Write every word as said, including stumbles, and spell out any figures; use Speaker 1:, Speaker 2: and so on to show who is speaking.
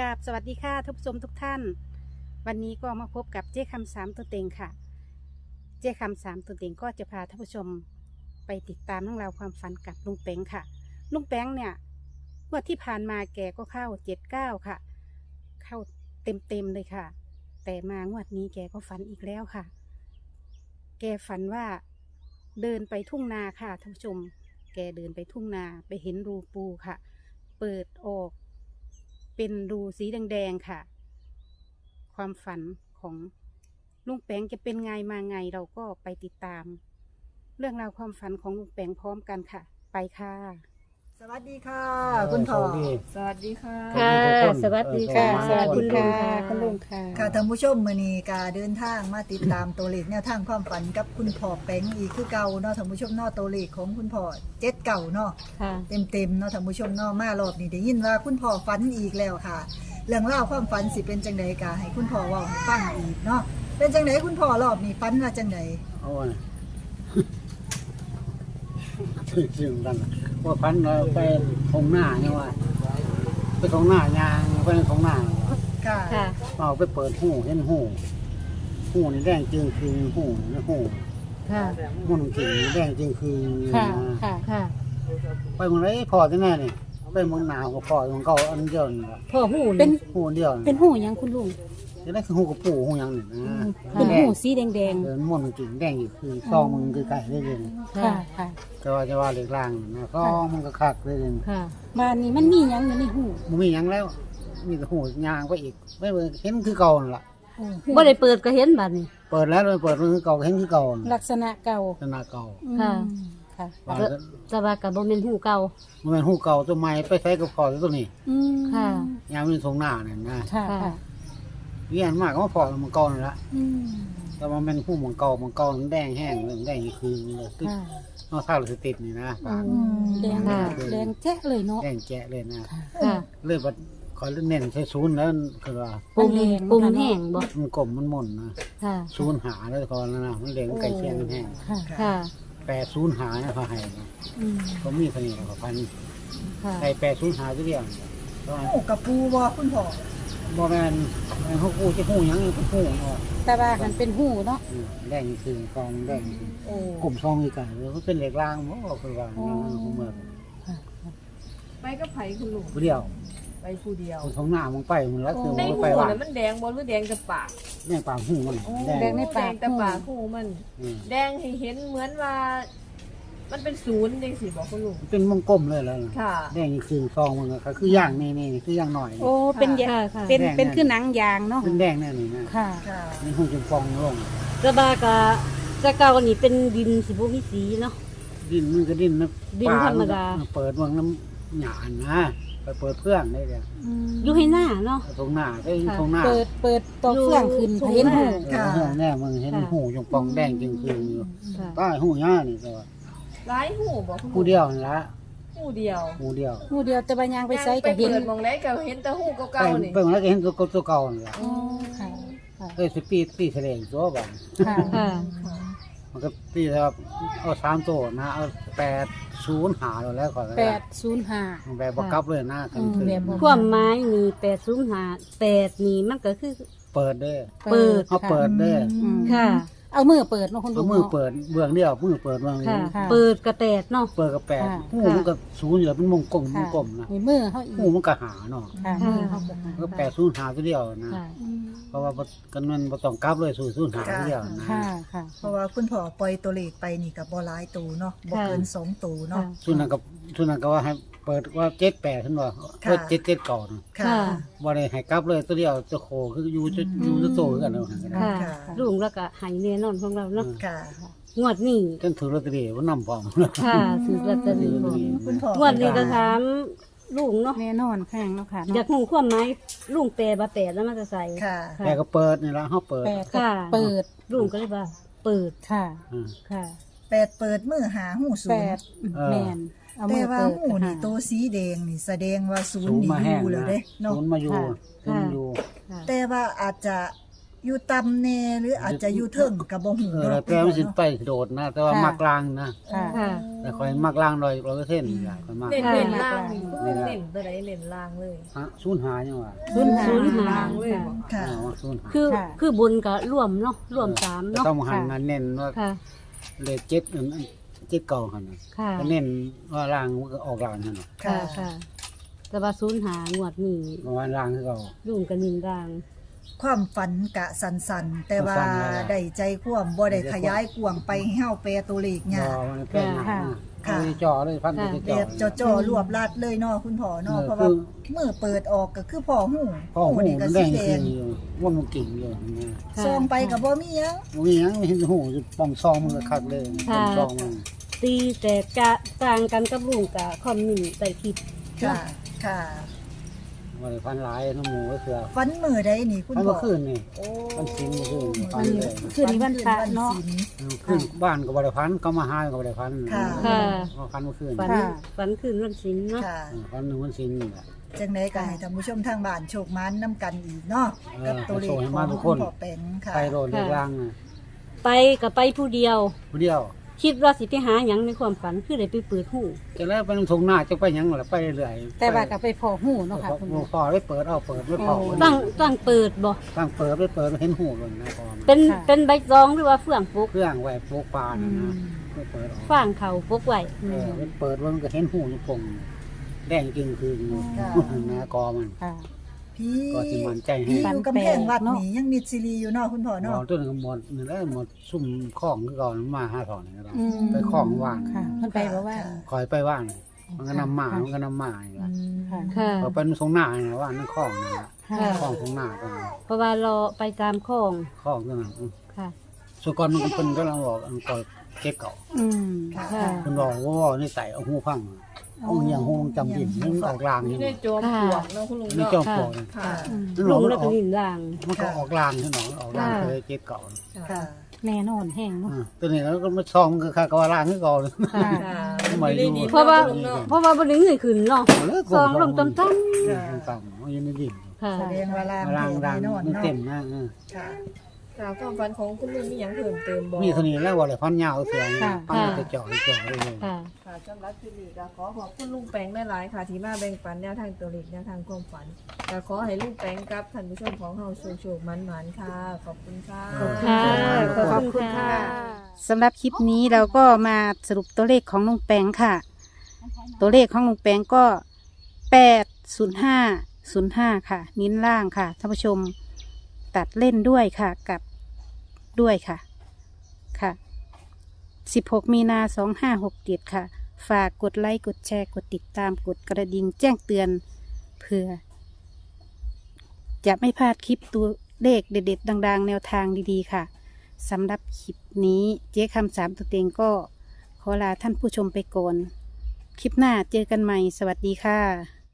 Speaker 1: กราบสวัสดีค่ะทุกผู้ชมทุกท่านวันนี้ก็มาพบกับเจ๊คำสามตัวเต็งค่ะเจ๊คำสามตัวเต็งก็จะพาท่านผู้ชมไปติดตามเรื่องราวความฝันกับลุงแป้งค่ะลุงแป้งเนี่ยงวดที่ผ่านมาแกก็เข้าเจ็ดเก้าค่ะเข้าเต็มเต็มเลยค่ะแต่มางวดนี้แกก็ฝันอีกแล้วค่ะแกฝันว่าเดินไปทุ่งนาค่ะท่านผู้ชมแกเดินไปทุ่งนาไปเห็นรูปูค่ะเปิดออกเป็นรูสีแดงๆค่ะความฝันของลุงแป้งจะเป็นไงมาไงเราก็ไปติดตามเรื่องราวความฝันของลุงแป้งพร้อมกันค่ะไปค่ะ
Speaker 2: สวัสดีค่ะคุณพ่อ
Speaker 3: สวัสดีค่ะ
Speaker 1: ค่ะสวัสดีค่ะสวัสดีค่ะคุณลุงค่ะ
Speaker 2: ค่ะท่านผู้ชมมื้อนี้ก็เดินทางมาติดตามตัวเลขแนวทางความฝันกับคุณพ่อแป้งอีกคือเก่าเนาะท่านผู้ชมเนาะตัวเลขของคุณพ่อเจ็ดเก่าเนาะเต็มๆเนาะท่านผู้ชมเนาะมารอบนี้ได้ยินว่าคุณพ่อฝันอีกแล้วค่ะเรื่องเล่าความฝันสิเป็นจังได๋ก็ให้คุณพ่อเว้าให้ฟังอีกเนาะเป็นจังได๋คุณพ่อรอบนี้ฝันว่าจังได๋
Speaker 4: โอ้ยจริงๆกันว่าพันเราไปทงหน้าเนี่ยว่าไปทงหน้ายางไปทงหน้า
Speaker 2: ค่ะ
Speaker 4: เอาไปเปิดหูเห็นหูหูนี่แดงจริงคือหูนี่หู
Speaker 1: ค่ะ
Speaker 4: หูจริงแดงจริงคือ
Speaker 1: ค่ะค่ะค่ะ
Speaker 4: ไปเมืองไรพอจะแน่นี่ไปเมืองหนาวก็พอของเก่าอันเดียวนี่
Speaker 1: พ่อหูเป็น
Speaker 4: หูเดียว
Speaker 1: เป็นหูยังคุณลุง
Speaker 4: จะได้คือหูกับปู่หูยังนี่นะ
Speaker 1: เป็นหูสีแดงแดง
Speaker 4: เออม่วนจริงแดงอยู่คือซองมันคือไก่ได้เลย
Speaker 1: ค่ะค่ะ
Speaker 4: จะว่าจะว่าเล็กล่างนะซองมันก็คักได้เลย
Speaker 1: ค่ะบ้านนี้มันมียังอยู่ในหู
Speaker 4: มันมียังแล้วมีแต่หูยางไปอีกไม่เห็นคือเก่าล่ะ
Speaker 1: บ่ได้เปิดก็เห็นบัดนี้
Speaker 4: เปิดแล้วเลยเปิดมันคือเก่าเห็นคือเก่า
Speaker 1: ลักษณะเก่า
Speaker 4: ลักษณะเก่า
Speaker 1: ค่ะค่ะจะว่าก็บ่แม่นหูเก่า
Speaker 4: บ่แม่นหูเก่าตัวใหม่ไปใช้กับพอตัวนี้
Speaker 1: อืมค่ะ
Speaker 4: ยามมันทรงหน้านั่นนะ
Speaker 1: ค่ะค่ะ
Speaker 4: เรียนมากก็พอมันเก่านั่นละอืมแต่ว่ามันหูมันเก่ามันเก่ามันแดงแห้งแดงนี่คือเลยคือเนาะถ้าเราสิติดนี่นะ
Speaker 1: แดงแดงแจ๊ะเลยเนาะ
Speaker 4: แดงแจ๊ะเลยนะค่ะเลยว่าขอเน้นใช้ศูนย์แล้วคือว่า
Speaker 1: ปุ่มปุ่มแห้งบ่
Speaker 4: มันกลมมันม่นนะ
Speaker 1: ค่ะ
Speaker 4: ศูนย์หาแล้วก่อนนะมันแดงไก่เชียงแห้ง
Speaker 1: ค่ะ
Speaker 4: แปดศูนย์หาเนี่ยเขาให้ก็มีเสน่ห์กับพันไก่แปดศูนย์หาตัวเดียว
Speaker 2: โอ้กับปูบ่คุณพ่อ
Speaker 4: บ่แม่นแม่นเขาปูจะหูยังเป็นหูเนาะ
Speaker 1: แต่ว่ามันเป็นหูเนาะ
Speaker 4: แดงคือกองแดงโอ้กลุ่มซองอีกไก่มันเป็นเหล็กรางบ่คือว่าเมือง
Speaker 3: ไปก็ไผคุณลุง
Speaker 4: ผู้เดียว
Speaker 3: ไปผู้เดียว
Speaker 4: ของหน้ามึงไปมันแล้วคือ
Speaker 3: ในหู
Speaker 4: น่
Speaker 3: ะมันแดงบ่หรือแดงแต่ปาก
Speaker 4: แดงปากหูมัน
Speaker 3: แดงในปากแต่ปากหูมันแดงให้เห็นเหมือนว่ามันเป็นศูนย์จังซี่บ่คุณลุง
Speaker 4: เป็นวงกลมเลยแล้ว
Speaker 3: ค่ะ
Speaker 4: แดงนี่คือซองมันก็คือย่างนี่ๆคือย่างหน่อย
Speaker 1: โอ้เป็นเป็นเป็นคือหนังยางเนาะ
Speaker 4: เป็นแดงแน่นี่นะ
Speaker 1: ค่ะ
Speaker 4: นี่หูจมฟองลง
Speaker 1: กระบากะจะเก่านี่เป็นดินสิบ่มีสีเนาะ
Speaker 4: ดินมันก็ดินนะ
Speaker 1: ดินธรรมดา
Speaker 4: เปิดวงน้ำหยาดนะไปเปิดเพื่องได้เลย
Speaker 1: อยู่ให้หน้าเนาะ
Speaker 4: ตรงหน้าได้ตรงหน้า
Speaker 1: เปิดเปิดตัวเพื่องขึ้นเห็นหู
Speaker 4: ค่ะแน่มึงเห็นหูจงปองแดงจริงคืออยู่ใต้หูย่านี่ก็
Speaker 3: หลายหูบ่คุณ
Speaker 4: หูเดียวนั่นละ
Speaker 3: หูเดียว
Speaker 4: หูเดียว
Speaker 1: หูเดียวแต่บางอย่างไปใส่ก็เห็น
Speaker 3: มองแล้วก็เห็นแต่หูเก่าๆนี่
Speaker 4: เบิ่งแล้วก็เห็นตัวตัวเก่านั่นล่ะ
Speaker 1: อ๋อค่ะ
Speaker 4: เอ้ยสิปีปีแสดงตัวบ่
Speaker 1: ค่ะค่ะ
Speaker 4: มันก็ปีครับเอาสามตัวนะเอาแปดศูนย์หาแล้วก่อน
Speaker 1: แปดศูนย์ห้า
Speaker 4: แบบบ่กลับเลยนะ
Speaker 1: ความหมายมีแปดศูนย์ห้าแปดนี่มันก็คือ
Speaker 4: เปิดเด้อ
Speaker 1: เปิด
Speaker 4: เฮาเปิดเด้อ
Speaker 1: ค่ะเอามือเปิดเนาะคุณลุง
Speaker 4: มือเปิดเบื้องเดียวมือเปิดเบื้องนี้
Speaker 1: เปิดกระแปดเนาะ
Speaker 4: เปิดกระแปดหูมันก็ศูนย์อยู่แล้วเป็นวงกลมวงกลมนะ
Speaker 1: มีมือเฮาอีก
Speaker 4: หูมันก็หาเนาะ
Speaker 1: ค่ะมือเฮา
Speaker 4: ก็แปดศูนย์หาตัวเดียวนะเพราะว่ากันมันบ่ต้องกลับเลยศูนย์หาตัวเดียวนะ
Speaker 1: ค่ะค่ะ
Speaker 2: เพราะว่าคุณพ่อปล่อยตัวเลขไปนี่ก็บ่หลายตัวเนาะบ่เกินสองตัวเนาะ
Speaker 4: ส่วนนั้นก็ส่วนนั้นก็ว่าให้เปิดว่าเจ็ดแปดขึ้นว่าเปิดเจ็ดเจ็ดก่อน
Speaker 2: ค่ะ
Speaker 4: บ่ได้ให้กลับเลยตัวเดียวจะโคคืออยู่จะอยู่จะโตกันแล้ว
Speaker 1: ค่ะลุงแล้วก็ให้แน่นอนของเราเนาะ
Speaker 2: ค่ะ
Speaker 1: งวดนี้
Speaker 4: จนถือลอตเตอรี่ว่านำพร้อม
Speaker 1: ค่ะถือลอตเตอรี่
Speaker 2: คุณพ่อง
Speaker 1: วดนี้ก็ถามลุงเนาะ
Speaker 2: แน่นอนแพงเนาะค่ะ
Speaker 1: อยากรู้ความหมายลุงแปลบ่แปดแล้วมันจะใส่
Speaker 2: ค่ะ
Speaker 4: แต่ก็เปิดนี่ล่ะเฮาเปิด
Speaker 1: ค่ะเปิดลุงก็เลยว่าเปิดค่ะค่ะ
Speaker 2: แปดเปิดมือหาหูศูนย์
Speaker 1: แม่น
Speaker 2: แต่ว่าหูนี่ตัวสีแดงนี่แสดงว่าศูนย์นี่อยู่แล้วเด้
Speaker 4: เนาะศูนย์มาอยู่ศูนย์อยู่
Speaker 2: แต่ว่าอาจจะอยู่ต่ำแน่หรืออาจจะอยู่เทิงก็บ่ฮู้
Speaker 4: เออ
Speaker 2: เนาะ
Speaker 4: แต่มันสิไปโดดนะ แต่ว่า
Speaker 1: ค่ะ
Speaker 4: มักลางนะ
Speaker 1: ค่ะ
Speaker 3: ค่ะ
Speaker 4: แต่คอยมักลางร้อยร้อยเปอร์เซ็นต์นี่ล่ะคอยมัก
Speaker 3: เน้น
Speaker 1: ค่ะ
Speaker 3: เน้นล่างนี่
Speaker 4: นี่ล่ะ
Speaker 3: เน้นตัวใดเน้นล่างเลย
Speaker 4: ฮะศูนย์หายังว่า
Speaker 1: ศูนย์หา
Speaker 3: ศูนย์หาล่างเลยบ่
Speaker 2: ค่ะ
Speaker 4: เออว่าศูนย์หา
Speaker 5: คือ
Speaker 1: ค่ะ
Speaker 5: คือบนก็ร่วมเนาะร่วมสาม
Speaker 4: แต่
Speaker 5: เนาะ
Speaker 4: ต้องหันมาเน้นว่า
Speaker 5: ค่ะ
Speaker 4: เลขเจ็ดอันอันเจ็ดเก่าหันน่ะ
Speaker 5: ค่ะ
Speaker 4: ก็เน้นว่าลางมันก็ออกลางหั่นน่ะ
Speaker 5: ค่ะค่ะ แต่ว่าศูนย์หางวดนี้
Speaker 4: ประมาณลางคือเก่า
Speaker 5: รุ่งกับนินราง
Speaker 2: ความฝันกะสันๆแต่ว่า
Speaker 4: สั้นๆนั่นแหละ
Speaker 2: ได้ใจความบ่ได้ขยายกว้างไปให้เฮาแปลตัวเลข
Speaker 4: บ่
Speaker 2: ยาก
Speaker 4: มันเป็นหนัก
Speaker 1: ค่ะ
Speaker 4: นะ
Speaker 2: ค่ะ
Speaker 4: เอาไปจ่อเลยพันไป
Speaker 5: ค่ะ
Speaker 2: แบ
Speaker 4: จ่อบ เลย
Speaker 2: จ่อๆรวบรัดเลยเนาะคุณพ่อเนาะ
Speaker 4: เออ
Speaker 2: เพราะว่า
Speaker 4: คือ
Speaker 2: มือเปิดออกก็คือพ่อหู้
Speaker 4: พ่อหู
Speaker 2: นี่ก็
Speaker 4: มัน
Speaker 2: สี
Speaker 4: แดง
Speaker 2: แด
Speaker 4: คื
Speaker 2: ง
Speaker 4: นอยู่ว่ามันกิ่งอยู่นะ
Speaker 5: ค่ะ
Speaker 2: ซองไปก็บ่มีหยัง
Speaker 4: มันมีหยังไม่เห็นหูอยู่ป่องซองมันก็คักเลยป่องซองมัน
Speaker 5: ตีแต่กะต่างกันกับลุงกะคอมนินใส่คลิป
Speaker 2: ค่ะ ค่ะ
Speaker 4: ว่าได้พันหลายน้ำหมูก็เสือ
Speaker 2: ฝันมือใดนี่คุณ
Speaker 4: พัน
Speaker 2: พ่
Speaker 4: เมื่
Speaker 2: อ
Speaker 4: อคืนนี่
Speaker 2: โอ้
Speaker 4: วันศิลป์เมื่อคืนนี่พันเลย
Speaker 1: คืนนี้วันพระเนาะ
Speaker 2: วัศิลป์
Speaker 4: ขึ้นบ้านก็บริพันธ์ก็มาหาก็บริพันธ์
Speaker 2: ค่ะ
Speaker 5: ค่ะ
Speaker 4: มาพันเมื่อคืน
Speaker 5: ฝัน
Speaker 1: ค่ะ
Speaker 5: ฝันคืนวันศิลป์เนาะ
Speaker 2: ค่ะ
Speaker 4: เออพันหนึ่งวันศิลป์นี่แหละ
Speaker 2: จังไดก็ให้ท่านผู้ชมทางบ้านโชคมันนํกันอีกเนาะ
Speaker 4: เออ
Speaker 2: กับตัวเลข
Speaker 4: ให้
Speaker 2: ข
Speaker 4: มา
Speaker 2: อง
Speaker 4: ทุก
Speaker 2: คุ
Speaker 4: ค
Speaker 2: ณ
Speaker 4: น
Speaker 2: พ่อแปงค่ะ
Speaker 4: ไปโรดเรียกล่างน่ะ
Speaker 5: ไปกับไปผู้เดียว
Speaker 4: ผู้เดียว
Speaker 5: คิดว่าสิไปหาหยังในความฝันคือได้ไปเปิดหู
Speaker 4: จะแล้วไปลงทงหน้าจะไปหยังล่ะไปเรื่อยๆ
Speaker 1: แต่ว่าก็ไปพอหูเนาะค่ะคุณ
Speaker 4: หมู
Speaker 1: พ่อ
Speaker 4: พอได้เปิดเอาเปิดไม่พอ
Speaker 1: โอ้
Speaker 5: ตั้งตั้งเปิดบ่
Speaker 4: ตั้งเปิดได้เปิดเห็นหูเลยนะพอ
Speaker 5: เป็น
Speaker 1: ค่ะ
Speaker 5: เป็นใบตองหรือว่าเฟื่องปุก
Speaker 4: เครื่องไว้ปลูกปลานะนะไม่เปิดออก
Speaker 5: ฟางเขาปุกไว้
Speaker 4: เออมันเปิดมันก็เห็นหูอยู่ปงแดงจริงคือนะกอมัน
Speaker 1: ค่ะ
Speaker 2: พี่
Speaker 4: ก็สิมันใจให้
Speaker 2: พี่อยู่กำแพงวัด
Speaker 1: เนาะ
Speaker 2: นี่ยังมีซีรีอยู่เนาะคุณพ่อ
Speaker 4: หม
Speaker 2: เนาะ
Speaker 4: อต้นก็หมดนี่แหละหมดซุ่มข้องคือก่อนมาห้าถอนนี่ก็ได้
Speaker 1: อืม
Speaker 4: ไปข้องว่าง
Speaker 1: ค่ะเพิ่นไปบอกว่า
Speaker 4: คอยไปว่างมันก็นำมามันก็นำมาอย่าง
Speaker 2: อื
Speaker 4: เงี้ย
Speaker 2: ม
Speaker 1: ค่ะ
Speaker 5: ค่ะ
Speaker 4: พอเป็นทรงหน้าเนี่ยว่านั่นข้องนี่แหละ
Speaker 1: ค่ะ
Speaker 4: ข้องทรงหน้าก็
Speaker 5: เพราะว่าเราไปตามคลอง
Speaker 4: ข้องก็นั่น
Speaker 5: ค่ะ
Speaker 4: สุกรมันก็เป็นก็ลังบอกอันก่อเก็บเก่า
Speaker 1: อืม
Speaker 2: ค่ะ
Speaker 1: ค่ะ
Speaker 4: คุณบอกว่านี่ไต่เอาหูพังเอาเหี่ยงหูจำดินมันออกลาง
Speaker 3: นี่
Speaker 4: นี่
Speaker 3: ได้โจมปลวกเนาะคุณลุง
Speaker 4: นี่
Speaker 3: เนาะ
Speaker 4: จอมปลวก
Speaker 3: ค่ะ
Speaker 1: อืม
Speaker 5: ลุงแล้วก็นินราง
Speaker 4: มันก็ออกลางใช่ไหมออกลาง
Speaker 5: ค่ะ
Speaker 4: เคยเก็บเก่า
Speaker 2: ค่ะ
Speaker 1: แน่นอนแห้งเนาะ
Speaker 4: อ่าตัวนี้แล้วก็มาซองมันก็ค่ากว่าลางคือเก่าเลย
Speaker 1: ค่ะ
Speaker 3: ค่ะ
Speaker 4: ไม่รู้
Speaker 3: อยู่ในดิน
Speaker 5: เพราะว่า
Speaker 3: คุณลุงเนาะ
Speaker 5: เพราะว่าบ่ได้เงยขึ้นเนาะ ซองลงต่ำ
Speaker 4: ต่ำต่ำมันอยู่ในดิน
Speaker 5: ค่ะ
Speaker 2: แสดงว่าลาง
Speaker 4: ลาง
Speaker 2: แท้
Speaker 4: ลาง
Speaker 2: แน่นอน
Speaker 4: มัน
Speaker 2: เนาะ
Speaker 4: เต็มนะเออ
Speaker 2: ค่ะ
Speaker 3: ค่ะความฝันของคุณลุงมีหยังเพิ่มเติมบ่
Speaker 4: มีเท่านี้แล้วว่าอะไรพันยาวเสียง
Speaker 1: ค่ะ
Speaker 4: พันจะเจาะจะเจาะเลย
Speaker 5: ค่ะ
Speaker 3: ค่ะสำหรับคลิปนี้ก็ขอขอบคุณลุงแปงได้หลายๆค่ะ ที่มาแบ่งปันแนวทางตัวเลขแนวทางความฝันก็ขอให้ลุงแปงกับท่านผู้ชมของเฮาโชคๆมันๆค่ะ ขอบคุณค่ะ
Speaker 5: ค่ะ
Speaker 1: ขอบคุณค่ะ สำหรับคลิปนี้เราก็มาสรุปตัวเลขของลุงแปงค่ะ ตัวเลขของลุงแปงก็แปดศูนย์ห้าศูนย์ห้าค่ะ นิ้นล่างค่ะท่านผู้ชมตัดเล่นด้วยค่ะกับด้วยค่ะค่ะสิบหกมีนาสองห้าหกเจ็ดค่ะ ฝากกดไลค์กดแชร์กดติดตามกดกระดิ่งแจ้งเตือนเพื่อ จะไม่พลาดคลิปตัวเลขเด็ดๆดังๆ แนวทางดีๆค่ะสำหรับคลิปนี้เจ๊คำสามตัวเต็งก็ขอลาท่านผู้ชมไปก่อน คลิปหน้าเจอกันใหม่สวัสดีค่ะ